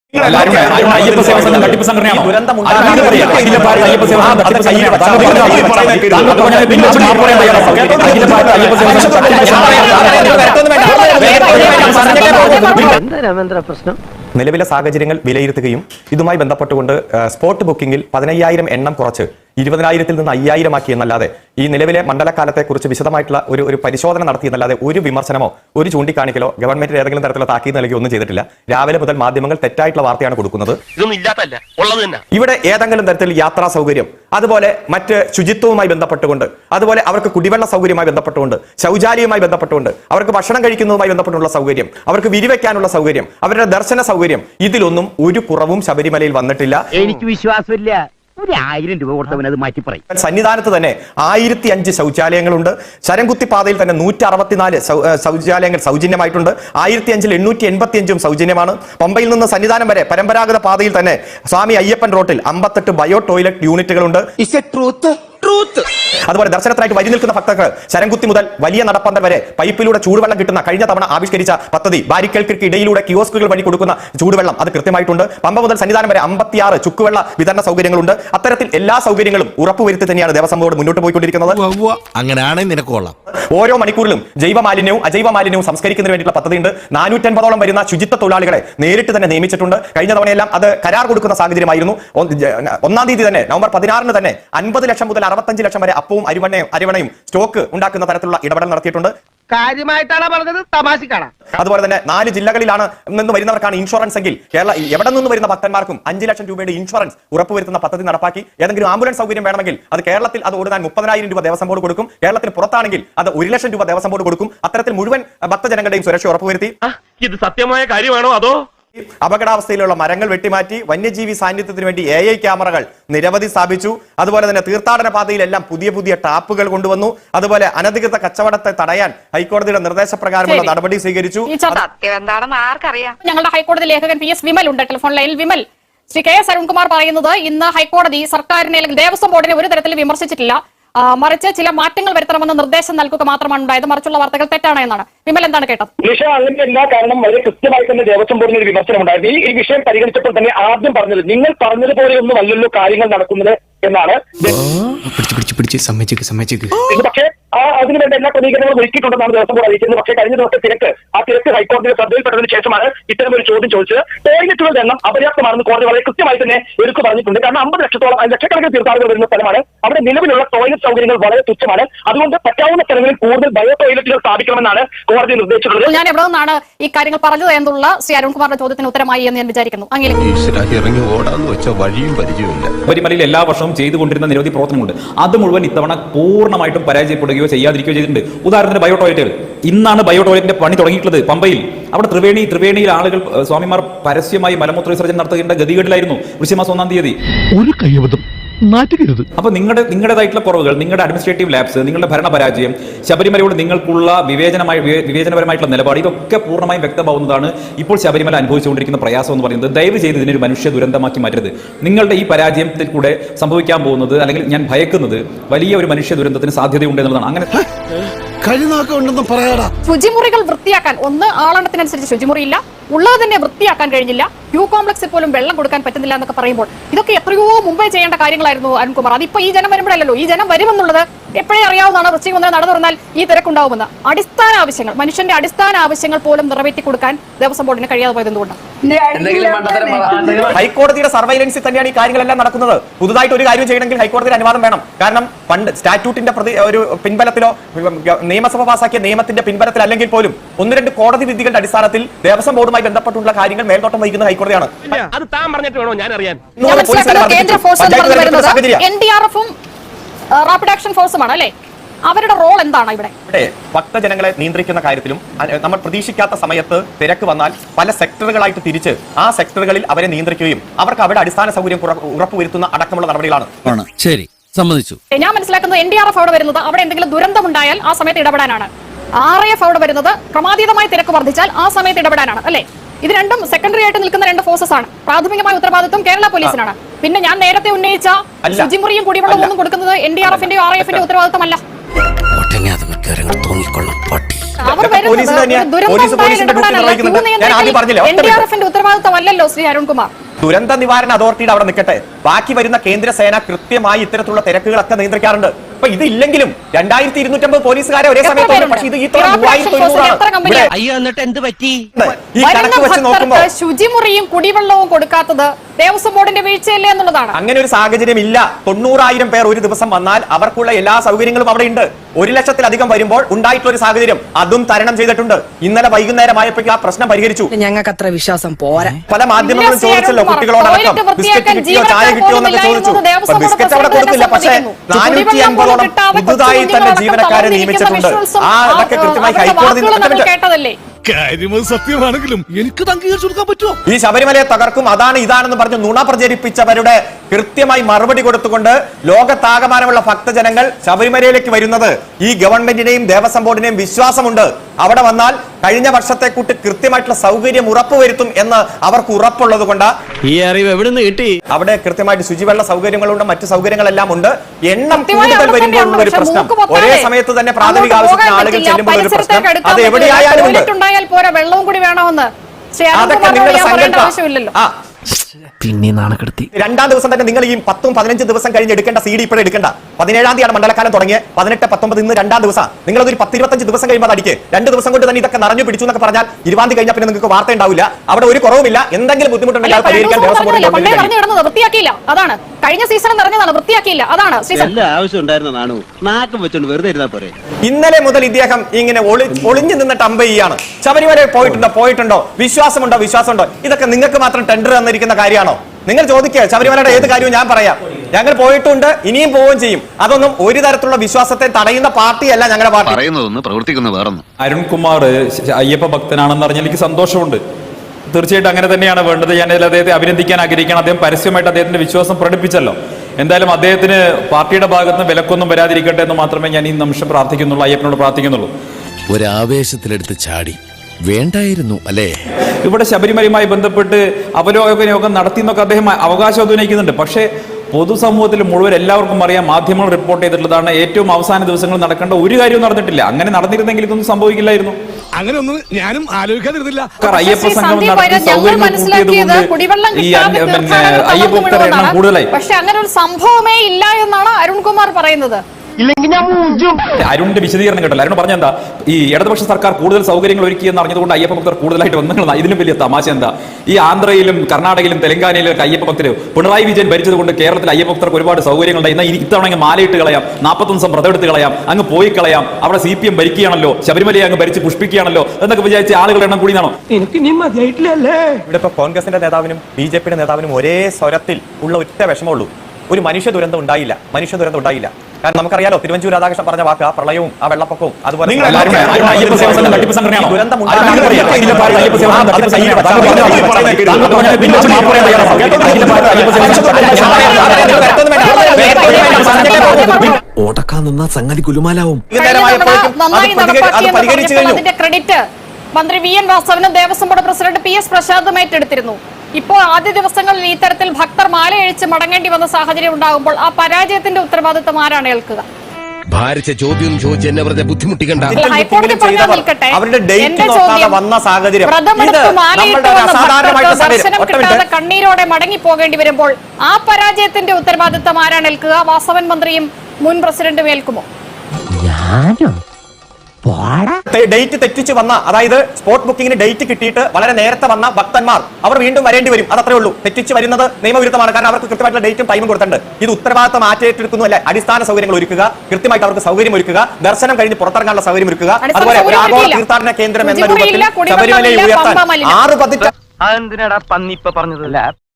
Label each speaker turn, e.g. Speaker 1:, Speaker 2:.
Speaker 1: അയ്യപ്പ സേവാ സംഘം തട്ടിപ്പ് സംഘടനയാണോ?
Speaker 2: നിലവിലെ സാഹചര്യങ്ങൾ വിലയിരുത്തുകയും ഇതുമായി ബന്ധപ്പെട്ടുകൊണ്ട് സ്പോട്ട് ബുക്കിംഗിൽ 15,000 എണ്ണം കുറച്ച് 20,000-ൽ നിന്ന് 5,000 ആക്കി എന്നല്ലാതെ ഈ നിലവിലെ മണ്ഡലകാലത്തെക്കുറിച്ച് വിശദമായിട്ടുള്ള ഒരു പരിശോധന നടത്തിയെന്നല്ലാതെ ഒരു വിമർശനമോ ഒരു ചൂണ്ടിക്കാണിക്കലോ ഗവൺമെന്റിന് ഏതെങ്കിലും തരത്തിലുള്ള താക്കീത് നൽകി ഒന്നും ചെയ്തിട്ടില്ല. രാവിലെ മുതൽ മാധ്യമങ്ങൾ തെറ്റായിട്ടുള്ള വാർത്തയാണ് കൊടുക്കുന്നത്. ഇവിടെ ഏതെങ്കിലും തരത്തിൽ യാത്രാ സൗകര്യം, അതുപോലെ മറ്റ് ശുചിത്വവുമായി ബന്ധപ്പെട്ടുകൊണ്ട്, അതുപോലെ അവർക്ക് കുടിവെള്ള സൗകര്യവുമായി ബന്ധപ്പെട്ടുകൊണ്ട്, ശൗചാലയവുമായി ബന്ധപ്പെട്ടുകൊണ്ട്, അവർക്ക് ഭക്ഷണം കഴിക്കുന്നതുമായി ബന്ധപ്പെട്ടുള്ള സൗകര്യം, അവർക്ക് വിരിവെക്കാനുള്ള സൗകര്യം, അവരുടെ ദർശന സൗകര്യം, ഇതിലൊന്നും ഒരു കുറവും ശബരിമലയിൽ വന്നിട്ടില്ല. എനിക്ക് വിശ്വാസമില്ല. 1,000 രൂപ കൊടുത്തവൻ അത് മാറ്റി പറയും. സന്നിധാനത്ത് തന്നെ 1005 ശൗചാലയങ്ങളുണ്ട്. ശരംകുത്തി പാതയിൽ തന്നെ 164 ശൗചാലയങ്ങൾ സൗജന്യമായിട്ടുണ്ട്. 1005-ൽ 885 സൗജന്യമാണ്. പമ്പയിൽ നിന്ന് സന്നിധാനം വരെ പരമ്പരാഗത പാതയിൽ തന്നെ സ്വാമി അയ്യപ്പൻ റോട്ടിൽ 58 ബയോ ടോയ്ലറ്റ് യൂണിറ്റുകളുണ്ട്. അതുപോലെ ദർശനത്തിനായിട്ട് വരി നിൽക്കുന്ന ഭക്തർക്ക് ശരംകുത്തി മുതൽ വലിയ നടപ്പന്തൽ വരെ പൈപ്പിലൂടെ ചൂടുവെള്ളം കിട്ടുന്ന കഴിഞ്ഞ തവണ ആവിഷ്കരിച്ച പദ്ധതി, ബാരിക്കേഡുകൾക്ക് ഇടയിലൂടെ കിയോസ്കുകൾ വഴി കൊടുക്കുന്ന ചൂടുവെള്ളം, അത് കൃത്യമായിട്ടുണ്ട്. പമ്പ മുതൽ സന്നിധാനം വരെ 56 ചുക്കുവെള്ള വിതരണ സൗകര്യങ്ങളുണ്ട്. അത്തരത്തിൽ എല്ലാ സൗകര്യങ്ങളും ഉറപ്പുവരുത്തി തന്നെയാണ് ദേവസ്വം ബോർഡ് മുന്നോട്ട് പോയിക്കൊണ്ടിരിക്കുന്നത്. ഓരോ മണിക്കൂറിലും ജൈവമാലിന്യവും അജൈവമാലിന്യവും സംസ്കരിക്കുന്നതിന് വേണ്ടിയുള്ള പദ്ധതിയുണ്ട്. 450ഓളം വരുന്ന ശുചിത്വ തൊഴിലാളികളെ നേരിട്ട് തന്നെ നിയമിച്ചിട്ടുണ്ട്. കഴിഞ്ഞ തവണയെല്ലാം അത് കരാർ കൊടുക്കുന്ന സാഹചര്യമായിരുന്നു. 1-ാം തീയതി തന്നെ നവംബർ 16-ന് തന്നെ 50 ലക്ഷം മുതൽ 65 ലക്ഷം വരെ അപ്പവും അരിവണയും സ്റ്റോക്ക് ഉണ്ടാക്കുന്ന തരത്തിലുള്ള ഇടപെടൽ നടത്തിയിട്ടുണ്ട്.
Speaker 3: കാര്യമായിട്ടാണ് പറഞ്ഞത്, തമാശക്കാണ്.
Speaker 2: അതുപോലെ തന്നെ 4 ജില്ലകളിലാണ് നിന്ന് വരുന്നവർക്കാണ് ഇൻഷുറൻസ് എങ്കിൽ കേരള എവിടെ നിന്ന് വരുന്ന ഭക്തന്മാർക്കും 5 ലക്ഷം രൂപയുടെ ഇൻഷുറൻസ് ഉറപ്പുവരുത്തുന്ന പദ്ധതി നടപ്പാക്കി. ഏതെങ്കിലും ആംബുലൻസ് സൗകര്യം വേണമെങ്കിൽ അത് കേരളത്തിൽ അത് ഓടുവാൻ 30,000 രൂപ ദേവസ്വം ബോർഡ് കൊടുക്കും. കേരളത്തിന് പുറത്താണെങ്കിൽ അത് 1 ലക്ഷം രൂപ ദേവസ്വം ബോർഡ് കൊടുക്കും. അത്തരത്തിൽ മുഴുവൻ ഭക്തജനങ്ങളുടെയും സുരക്ഷ ഉറപ്പുവരുത്തി.
Speaker 4: ഇത് സത്യമായ കാര്യമാണോ അതോ?
Speaker 2: അപകടാവസ്ഥയിലുള്ള മരങ്ങൾ വെട്ടിമാറ്റി വന്യജീവി സാന്നിധ്യത്തിന് വേണ്ടി AI ക്യാമറകൾ നിരവധി സ്ഥാപിച്ചു. അതുപോലെ തന്നെ തീർത്ഥാടന പാതയിലെല്ലാം പുതിയ ടാപ്പുകൾ കൊണ്ടുവന്നു. അതുപോലെ അനധികൃത കച്ചവടത്തെ തടയാൻ ഹൈക്കോടതിയുടെ നിർദ്ദേശപ്രകാരമുള്ള നടപടി സ്വീകരിച്ചു.
Speaker 5: ഞങ്ങളുടെ ഹൈക്കോടതി ലേഖകൻ PS വിമൽ ഉണ്ട് ടെലിഫോൺ ലൈനിൽ. വിമൽ, ശ്രീ KS അരുൺകുമാർ പറയുന്നത് ഇന്ന് ഹൈക്കോടതി സർക്കാരിനെ അല്ലെങ്കിൽ ദേവസ്വം ബോർഡിനെ ഒരു തരത്തിൽ വിമർശിച്ചിട്ടില്ല, മറിച്ച് ചില മാറ്റങ്ങൾ വരുത്തണമെന്ന് നിർദ്ദേശം നൽകുക മാത്രമാണ് ഉണ്ടായത്, മറിച്ചുള്ള വാർത്തകൾ തെറ്റാണ് എന്നാണ്. വിമൽ, എന്താണ് കേട്ടത്?
Speaker 6: വിഷയം അങ്ങനെയല്ല. കാരണം വളരെ കൃത്യമായി തന്നെ ദേവസ്വം ബോർഡിന് ഒരു വിമർശനം ഉണ്ടായിരുന്നു. ഈ വിഷയം പരിഗണിച്ചപ്പോൾ തന്നെ ആദ്യം പറഞ്ഞത് നിങ്ങൾ പറഞ്ഞതുപോലെയൊന്നും അല്ലല്ലോ കാര്യങ്ങൾ നടക്കുന്നത് എന്നാണ്. പക്ഷേ അതിനുവേണ്ട എല്ലാ ക്രമീകരണങ്ങളും ഒരുക്കിയിട്ടുണ്ടെന്നാണ് ദേവസ്വം ബോർഡ് അറിയിക്കുന്നത്. പക്ഷേ കഴിഞ്ഞ ദിവസത്തെ തിരക്ക് ഹൈക്കോടതിയുടെ ശ്രദ്ധയിൽപ്പെട്ടതിന് ശേഷമാണ് ഇത്തരം ഒരു ചോദ്യം ചോദിച്ചത്. ടോയ്ലറ്റുകളുടെ എണ്ണം അപര്യാപ്തമാണെന്ന് കോടതി വളരെ കൃത്യമായി തന്നെ എടുത്തു പറഞ്ഞിട്ടുണ്ട്. കാരണം 50 ലക്ഷത്തോളം ലക്ഷക്കണക്കിന് തീർത്ഥാടകർ വരുന്ന സ്ഥലമാണ്. അവിടെ നിലവിലുള്ള ടോയ്ലറ്റ് സൗകര്യങ്ങൾ വളരെ തുച്ഛമാണ്. അതുകൊണ്ട് പറ്റാവുന്ന സ്ഥലങ്ങളിൽ കൂടുതൽ ബയോ ടോയ്ലറ്റുകൾ സ്ഥാപിക്കണമെന്നാണ് കോടതി നിർദ്ദേശിച്ചിട്ടുള്ളത്.
Speaker 5: ഞാൻ എവിടെ നിന്നാണ് ഈ കാര്യങ്ങൾ പറഞ്ഞത് എന്നുള്ള ശ്രീ അരുൺകുമാറിന്റെ ചോദ്യത്തിന് ഉത്തരമായി എന്ന് ഞാൻ വിചാരിക്കുന്നു.
Speaker 1: ശബരിമലയിൽ എല്ലാ വർഷവും ചെയ്തുകൊണ്ടിരുന്ന നിരവധി പ്രവർത്തനങ്ങളുണ്ട്. അത് മുഴുവൻ ഇത്തവണ പൂർണ്ണമായിട്ടും പരാജയപ്പെടുകയോ ചെയ്യാതിരിക്കുകയോ ചെയ്തിട്ടുണ്ട്. ഉദാഹരണത്തിന് ബയോ ടോയ്ലറ്റുകൾ. ഇന്നാണ് ബയോ ടോയ്ലറ്റിന്റെ പണി തുടങ്ങിയിട്ടുള്ളത് പമ്പയിൽ. അവിടെ ത്രിവേണിയിൽ ആളുകൾ സ്വാമിമാർ പരസ്യമായി മലമൂത്ര വിസർജനം നടത്തേണ്ട ഗതികേടിലായിരുന്നു വൃശ്ചികമാസം 1-ാം തീയതി.
Speaker 7: ഒരു കൈവതം നാറ്റുകരുത്.
Speaker 1: അപ്പൊ നിങ്ങളുടേതായിട്ടുള്ള കുറവുകൾ, നിങ്ങളുടെ അഡ്മിനിസ്ട്രേറ്റീവ് ലാബ്സ്, നിങ്ങളുടെ ഭരണപരാജയം, ശബരിമലയോട് നിങ്ങൾക്കുള്ള വിവേചനപരമായിട്ടുള്ള നിലപാട്, ഇതൊക്കെ പൂർണ്ണമായും വ്യക്തമാവുന്നതാണ് ഇപ്പോൾ ശബരിമല അനുഭവിച്ചുകൊണ്ടിരിക്കുന്ന പ്രയാസം എന്ന് പറയുന്നത്. ദയവ് ചെയ്ത് ഇതിനൊരു മനുഷ്യ ദുരന്തമാക്കി മാറ്റരുത്. നിങ്ങളുടെ ഈ പരാജയത്തിൽ കൂടെ സംഭവിക്കാൻ പോകുന്നത്, അല്ലെങ്കിൽ ഞാൻ ഭയക്കുന്നത്, വലിയ ഒരു മനുഷ്യ ദുരന്തത്തിന് സാധ്യതയുണ്ട് എന്നുള്ളതാണ്. അങ്ങനെ
Speaker 5: ശുചിമുറികൾ വൃത്തിയാക്കാൻ ആളെണ്ണത്തിനനുസരിച്ച് ശുചിമുറിയില്ല, ഉള്ളത് തന്നെ വൃത്തിയാക്കാൻ കഴിഞ്ഞില്ല, ക്യൂ കോംപ്ലക്സിൽ പോലും വെള്ളം കൊടുക്കാൻ പറ്റുന്നില്ല എന്നൊക്കെ പറയുമ്പോൾ ഇതൊക്കെ എത്രയോ മുമ്പേ ചെയ്യേണ്ട കാര്യങ്ങളായിരുന്നു അരുൺകുമാർ. അതിപ്പോ ഈ ജനം വരുമ്പോഴല്ലോ, ഈ ജനം വരുമെന്നുള്ളത് എപ്പോഴേ അറിയാവുന്നതാണ്. വൃശ്ചികം 1 നട തുറന്നാൽ ഈ തിരക്കുണ്ടാവുമെന്ന്. അടിസ്ഥാന ആവശ്യങ്ങൾ, മനുഷ്യന്റെ അടിസ്ഥാന ആവശ്യങ്ങൾ പോലും നിറവേറ്റി കൊടുക്കാൻ ദേവസ്വം ബോർഡിന് കഴിയാതെ പോയത് എന്തുകൊണ്ടാണ്?
Speaker 2: ഹൈക്കോടതിയുടെ സർവൈലൻസിൽ തന്നെയാണ് ഈ കാര്യങ്ങളെല്ലാം നടക്കുന്നത്. പുതുതായിട്ട് ഒരു കാര്യം ചെയ്യണമെങ്കിൽ ഹൈക്കോടതിയുടെ അനുവാദം വേണം. കാരണം പണ്ട് സ്റ്റാറ്റ്യൂട്ടിന്റെ ഒരു പിൻബലത്തിലോ നിയമസഭ പാസാക്കിയ നിയമത്തിന്റെ പിൻബലത്തിൽ അല്ലെങ്കിൽ പോലും 1-2 കോടതി വിധികളുടെ അടിസ്ഥാനത്തിൽ ദേവസ്വം ബോർഡുമായി ബന്ധപ്പെട്ടുള്ള കാര്യങ്ങൾ മേൽനോട്ടം വഹിക്കുന്ന ഹൈക്കോടതിയാണ്.
Speaker 4: അത് താൻ പറഞ്ഞിട്ട് വേണോ ഞാൻ അറിയാൻ?
Speaker 5: കേന്ദ്ര ഫോഴ്സ് NDRF-ഉം റാപ്പിഡ് ആക്ഷൻ ഫോഴ്സുമാണ് അല്ലേ? അവരുടെ റോൾ എന്താണ് ഇവിടെ?
Speaker 2: ഭക്തജനങ്ങളെ നിയന്ത്രിക്കുന്ന കാര്യത്തിലും നമ്മൾ പ്രതീക്ഷിക്കാത്ത സമയത്ത് തിരക്ക് വന്നാൽ പല സെക്ടറുകളായിട്ട് തിരിച്ച് ആ സെക്ടറുകളിൽ അവരെ നിയന്ത്രിക്കുകയും അവർക്ക് അവിടെ അടിസ്ഥാന സൗകര്യം ഉറപ്പുവരുത്തുന്ന അടക്കമുള്ള നടപടികളാണ്.
Speaker 7: ശരി, സമ്മതിച്ചു.
Speaker 5: ഞാൻ മനസ്സിലാക്കുന്നത് NDRF അവിടെ വരുന്നത് അവിടെ എന്തെങ്കിലും ദുരന്തമുണ്ടായാൽ ആ സമയത്ത് ഇടപെടാനാണ്. RAF അവിടെ വരുന്നത് ക്രമാതീതമായി തിരക്ക് വർദ്ധിച്ചാൽ ആ സമയത്ത് ഇടപെടാനാണ് അല്ലേ? ഇത് രണ്ടും സെക്കൻഡറി ആയിട്ട് നിൽക്കുന്ന 2 ഫോഴ്സസ് ആണ്. പ്രാഥമികമായ ഉത്തരവാദിത്വം കേരള പോലീസിനാണ്. പിന്നെ ഞാൻ നേരത്തെ ഉന്നയിച്ച ശുചിമുറിയും കുടിവെള്ളവും ഒന്നും കൊടുക്കുന്നത് NDRF-ന്റെയോ RAF-ന്റെയോ ഉത്തരവാദിത്തമല്ല.
Speaker 7: ഉടനെ അത് മിക്കവാറും തോന്നിക്കൊള്ളും പട്ടി.
Speaker 5: അവർ
Speaker 2: ഇതൊക്കെ പോലീസ്
Speaker 5: വരുന്നത്
Speaker 2: തന്നെയാ.
Speaker 5: ഒരു
Speaker 2: പോലീസ്
Speaker 5: ദുരന്തം
Speaker 2: പോലീസിന്റെ ഡ്യൂട്ടി നിർവഹിക്കുന്നുണ്ട്. ഞാൻ ആദ്യം പറഞ്ഞില്ലേ, ഒറ്റ മിനിറ്റ്.
Speaker 5: NDRFന്റെ ഉത്തരവാദിത്തമല്ലല്ലോ ശ്രീ അരുൺകുമാർ.
Speaker 2: ദുരന്ത നിവാരണ അതോറിറ്റിയുടെ അവിടെ നിൽക്കട്ടെ, ബാക്കി വരുന്ന കേന്ദ്ര സേന കൃത്യമായി ഇത്തരത്തിലുള്ള തിരക്കുകളൊക്കെ നിയന്ത്രിക്കാറുണ്ട്. അപ്പൊ ഇത് ഇല്ലെങ്കിലും 2250 പോലീസുകാരെ ഒരേ സമയത്ത് ഉണ്ട്. പക്ഷേ ഇത് ഈ തവണ 3700
Speaker 3: അയ്യോ എന്നിട്ട് എന്ത് പറ്റി?
Speaker 2: ഈ കണക്ക് വെച്ച് നോക്കുമ്പോൾ
Speaker 5: ഭക്തർക്ക് ശുചിമുറിയും കുടിവെള്ളവും കൊടുക്കാത്തത് ദേവസ്വം ബോർഡിന്റെ വീഴ്ചയല്ലേ എന്നുള്ളതാണ്.
Speaker 2: അങ്ങനെ ഒരു സാഹചര്യം ഇല്ല. 90000 പേർ ഒരു ദിവസം വന്നാൽ അവർക്കുള്ള എല്ലാ സൗകര്യങ്ങളും അവിടെ ഉണ്ട്. 1,00,000-ലധികം വരുമ്പോൾ ഉണ്ടായിട്ടുള്ള ഒരു സാഹചര്യം അതും തരണം ചെയ്തിട്ടുണ്ട്. ഇന്നലെ വൈകുന്നേരമായപ്പോഴേക്കും ആ പ്രശ്നം പരിഹരിച്ചു.
Speaker 8: ഞങ്ങൾക്ക് അത്ര വിശ്വാസം പോരാ.
Speaker 2: പല മാധ്യമങ്ങളും ചോദിച്ചല്ലോ, കുട്ടികളോടടക്കം ബിസ്ക്കറ്റ് കിട്ടിയോ ചായ കിട്ടിയോ എന്നൊക്കെ ചോദിച്ചു. ബിസ്ക്കറ്റ് അവിടെ കൊടുക്കില്ല, പക്ഷേ 450 പുതുതായി തന്നെ ജീവനക്കാരെ നിയമിച്ചിട്ടുണ്ട്. ആ അതൊക്കെ കൃത്യമായി ഹൈക്കോടതി
Speaker 5: കേട്ടതല്ലേ.
Speaker 7: കാര്യം സത്യമാണെങ്കിലും എനിക്ക് അംഗീകരിച്ചു കൊടുക്കാൻ പറ്റുമോ?
Speaker 2: ഈ ശബരിമലയെ തകർക്കും അതാണ് ഇതാണെന്ന് പറഞ്ഞ് നുണ പ്രചരിപ്പിച്ചവരുടെ കൃത്യമായി മറുപടി കൊടുത്തുകൊണ്ട് ലോകത്താകമാനമുള്ള ഭക്തജനങ്ങൾ ശബരിമലയിലേക്ക് വരുന്നത് ഈ ഗവൺമെന്റിനെയും ദേവസ്വം ബോർഡിനെയും വിശ്വാസമുണ്ട്. അവിടെ വന്നാൽ കഴിഞ്ഞ വർഷത്തെ കൂട്ട് കൃത്യമായിട്ടുള്ള സൗകര്യം ഉറപ്പുവരുത്തും എന്ന് അവർക്ക് ഉറപ്പുള്ളത് കൊണ്ട്
Speaker 4: ഈ അറിവ് എവിടെ നിന്ന് കിട്ടി?
Speaker 2: അവിടെ കൃത്യമായിട്ട് ശുചിവെള്ള സൗകര്യങ്ങളുണ്ട്, മറ്റു സൗകര്യങ്ങളെല്ലാം ഉണ്ട്. എണ്ണം കൂടുതൽ വരുമ്പോഴുള്ള ഒരു പ്രശ്നം ഒരേ സമയത്ത് തന്നെ പ്രാഥമിക ആവശ്യത്തിന് ആളുകൾ ചെല്ലുമ്പോൾ ഒരു പ്രശ്നം അത് എവിടെയായാലും ഉണ്ട്.
Speaker 5: പോരാ, വെള്ളവും കൂടി വേണമെന്ന്
Speaker 2: അതൊക്കെ നിങ്ങളുടെ സങ്കല്പം.
Speaker 5: ആവശ്യമില്ലല്ലോ.
Speaker 7: പിന്നെ നാണക്കെടുത്തി.
Speaker 2: രണ്ടാം ദിവസം തന്നെ നിങ്ങൾ ഈ 10-15 ദിവസം കഴിഞ്ഞ് എടുക്കേണ്ട CD ഇപ്പോഴും എടുക്കേണ്ട. 17-ാം തീയതിയാണ് മണ്ഡലകാലം തുടങ്ങിയത്. 18, 19 ഇന്ന് രണ്ടാം ദിവസം. നിങ്ങൾ അതൊരു 10-25 ദിവസം കഴിയുമ്പോൾ അടിക്ക്. 2 ദിവസം കൊണ്ട് തന്നെ ഇതൊക്കെ നിറഞ്ഞു പിടിച്ചു എന്നൊക്കെ പറഞ്ഞാൽ 20-ാം തീയതി കഴിഞ്ഞാൽ പിന്നെ നിങ്ങൾക്ക് വാർത്ത ഉണ്ടാവില്ല. അവിടെ ഒരു കുറവുമില്ല. എന്തെങ്കിലും ബുദ്ധിമുട്ടുണ്ടെങ്കിൽ അത് പരിഹരിക്കാൻ ദേവസ്വം ബോർഡിൽ
Speaker 5: വൃത്തിയാക്കിയില്ല. അതാണ് കഴിഞ്ഞ സീസൺ നിറഞ്ഞതാണ്, വൃത്തിയാക്കിയില്ല. അതാണ്
Speaker 9: ആവശ്യം ഉണ്ടായിരുന്ന നാണു നാക്കം വെച്ചോണ്ട് വെറുതെ ഇരുന്നാ പോരെ.
Speaker 2: ഇന്നലെ മുതൽ ഇദ്ദേഹം ഇങ്ങനെ ഒളിഞ്ഞു നിന്നിട്ട് അമ്പയ്യാണ്. ശബരിമലയിൽ പോയിട്ടുണ്ടോ, വിശ്വാസമുണ്ടോ? ഇതൊക്കെ നിങ്ങൾക്ക് മാത്രം ടെൻഡർ തന്നിരിക്കുന്ന കാര്യമാണോ? നിങ്ങൾ ചോദിക്കുക. ശബരിമലയുടെ ഏത് കാര്യവും ഞാൻ പറയാം. ഞങ്ങൾ പോയിട്ടുണ്ട്, ഇനിയും പോവുകയും ചെയ്യും. അതൊന്നും ഒരു തരത്തിലുള്ള വിശ്വാസത്തെ തടയുന്ന പാർട്ടിയല്ല ഞങ്ങളുടെ പാർട്ടി.
Speaker 9: പറയുന്നതൊന്ന് പ്രവർത്തിക്കുന്ന വേറൊന്നും.
Speaker 1: അരുൺകുമാർ അയ്യപ്പ ഭക്തനാണെന്ന് അറിഞ്ഞാൽ എനിക്ക് സന്തോഷമുണ്ട്. തീർച്ചയായിട്ടും അങ്ങനെ തന്നെയാണ് വേണ്ടത്. ഞാൻ അദ്ദേഹത്തെ അഭിനന്ദിക്കാൻ ആഗ്രഹിക്കണം. അദ്ദേഹം പരസ്യമായിട്ട് അദ്ദേഹത്തിന്റെ വിശ്വാസം പ്രകടിപ്പിച്ചല്ലോ. എന്തായാലും അദ്ദേഹത്തിന് പാർട്ടിയുടെ ഭാഗത്ത് നിന്ന് വിലക്കൊന്നും വരാതിരിക്കട്ടെ എന്ന് മാത്രമേ ഞാൻ ഈ നിമിഷം പ്രാർത്ഥിക്കുന്നുള്ളൂ, അയ്യപ്പനോട് പ്രാർത്ഥിക്കുന്നുള്ളൂ.
Speaker 7: ഒരാവേശത്തിലെടുത്ത് ചാടി വേണ്ടായിരുന്നു അല്ലേ?
Speaker 1: ഇവിടെ ശബരിമലയുമായി ബന്ധപ്പെട്ട് അവലോകന യോഗം നടത്തി എന്നൊക്കെ അദ്ദേഹം അവകാശം ഉന്നയിക്കുന്നുണ്ട്. പക്ഷേ പൊതുസമൂഹത്തിൽ മുഴുവൻ എല്ലാവർക്കും അറിയാം, മാധ്യമങ്ങൾ റിപ്പോർട്ട് ചെയ്തിട്ടുള്ളതാണ്, ഏറ്റവും അവസാന ദിവസങ്ങളിൽ നടക്കേണ്ട ഒരു കാര്യവും നടന്നിട്ടില്ല. അങ്ങനെ നടന്നിരുന്നെങ്കിൽ ഇതൊന്നും സംഭവിക്കില്ലായിരുന്നു.
Speaker 7: അങ്ങനെ ഒന്നും ഞാനും ആലോചിക്കാതിരുന്നില്ല.
Speaker 1: അയ്യപ്പ സംഘം നടത്തി സൗകര്യങ്ങൾ കൂട്ടിയതുകൊണ്ട് ഈ അയ്യപ്പ ഭക്തരുടെ എണ്ണം കൂടുതലായി.
Speaker 5: പക്ഷെ അങ്ങനെ ഒരു സംഭവമേ ഇല്ല എന്നാണ് അരുൺകുമാർ പറയുന്നത്.
Speaker 1: അരുണിന്റെ വിശദീകരണം കേട്ടല്ലോ. അരുൺ പറഞ്ഞ എന്താ, ഈ ഇടതുപക്ഷ സർക്കാർ കൂടുതൽ സൗകര്യങ്ങൾ ഒരുക്കിയെന്ന് അറിഞ്ഞതുകൊണ്ട് അയ്യപ്പ ഭക്തർ കൂടുതലായിട്ട് വന്നു. ഇതിലും വലിയ തമാശ എന്താ? ഈ ആന്ധ്രയിലും കർണാടകയിലും തെലങ്കാനയിലും അയ്യപ്പ ഭക്തര് പിണറായി വിജയൻ ഭരിച്ചതുകൊണ്ട് കേരളത്തിൽ അയ്യപ്പ ഭക്തർക്ക് ഒരുപാട് സൗകര്യങ്ങളുണ്ട്. എന്നാൽ ഇത്തവണ മാലയിട്ട് കളയാം, 40 ദിവസം വ്രതം എടുത്ത് കളയാം, അങ്ങ് പോയി കളയാം. അവിടെ CPM ഭരിക്കുകയാണല്ലോ, ശബരിമലയെ അങ്ങ് ഭരിച്ച് പുഷ്പിക്കുകയാണല്ലോ എന്നൊക്കെ വിചാരിച്ച ആളുകളുടെ എണ്ണം കൂടിയാണോ?
Speaker 2: ഇവിടെ ഇപ്പൊ കോൺഗ്രസിന്റെ നേതാവിനും BJPയുടെ നേതാവിനും ഒരേ സ്വരത്തിൽ ഉള്ള ഒറ്റ വിഷമമുള്ളൂ. ഒരു മനുഷ്യ ദുരന്തം ഉണ്ടായില്ല. കാരണം നമുക്കറിയാലോ, തിരുവഞ്ചൂർ രാധാകൃഷ്ണൻ പറഞ്ഞ വാക്ക് ആ പ്രളയവും ആ വെള്ളപ്പൊക്കവും അതുപോലെ
Speaker 7: ഓടക്കാൻ നിന്നാ സംഗതി കുലുമാലാവും.
Speaker 5: ക്രെഡിറ്റ് മന്ത്രി VN വാസവനും ദേവസ്വം ബോർഡ് പ്രസിഡന്റ് PS പ്രസാദും ഏറ്റെടുത്തിരുന്നു. ഇപ്പോൾ ആദ്യ ദിവസങ്ങളിൽ ഇത്തരത്തിൽ ഭക്തർ മാലയഴിച്ച് മടങ്ങേണ്ടി വന്ന സാഹചര്യം ഉണ്ടാകുമ്പോൾ ആ പരാജയത്തിന്റെ ഉത്തരവാദിത്വം ആരാണ് ഏൽക്കുക?
Speaker 7: ഭാരിച്ച ചോദ്യം ചോദിച്ച് എന്നെ വെറുതെ ബുദ്ധിമുട്ടിക്കണ്ട.
Speaker 5: ഹൈക്കോടതി പറഞ്ഞാൽ നിൽക്കട്ടെ.
Speaker 2: അവരുടെ ഡേറ്റ് നോക്കാതെ വന്ന സാഹചര്യം,
Speaker 5: വ്രതമെടുത്ത് മാലയിട്ട് വന്ന ഭക്തർക്ക് ദർശനം കിട്ടാതെ കണ്ണീരോടെ മടങ്ങി പോകേണ്ടി വരുമ്പോൾ ആ പരാജയത്തിന്റെ ഉത്തരവാദിത്വം ആരാണ് ഏൽക്കുക? വാസവൻ മന്ത്രിയും മുൻ പ്രസിഡന്റും ഏൽക്കുമോ?
Speaker 2: ഡേറ്റ് തെറ്റിച്ച് വന്ന, അതായത് സ്പോട്ട് ബുക്കിംഗിന് ഡേറ്റ് കിട്ടിയിട്ട് വളരെ നേരത്തെ വന്ന ഭക്തന്മാർ അവർ വീണ്ടും വരേണ്ടി വരും. അതത്രേ ഉള്ളൂ. തെറ്റിച്ച് വരുന്നത് നിയമവിരുദ്ധമാണ്. കാരണം അവർക്ക് കൃത്യമായിട്ടുള്ള ഡേറ്റും ടൈമും കൊടുത്തിട്ടുണ്ട്. ഇത് ഉത്തരവാദിത്തം മാറ്റിയെടുക്കുന്നു അല്ല. അടിസ്ഥാന സൗകര്യങ്ങൾ ഒരുക്കുക, കൃത്യമായിട്ട് അവർക്ക് സൗകര്യം ഒരുക്കുക, ദർശനം കഴിഞ്ഞ് പുറത്തിറങ്ങാനുള്ള സൗകര്യം ഒരുക്കുക, അതുപോലെ ഒരു ആഗോള തീർത്ഥാടന കേന്ദ്രം എന്ന രൂപത്തിൽ ശബരിമലയെ ഉയർത്താൻ 6 പതിറ്റാണ്ട്.
Speaker 3: അതെന്തിനാടാ പന്നി ഇപ്പൊ പറഞ്ഞതല്ല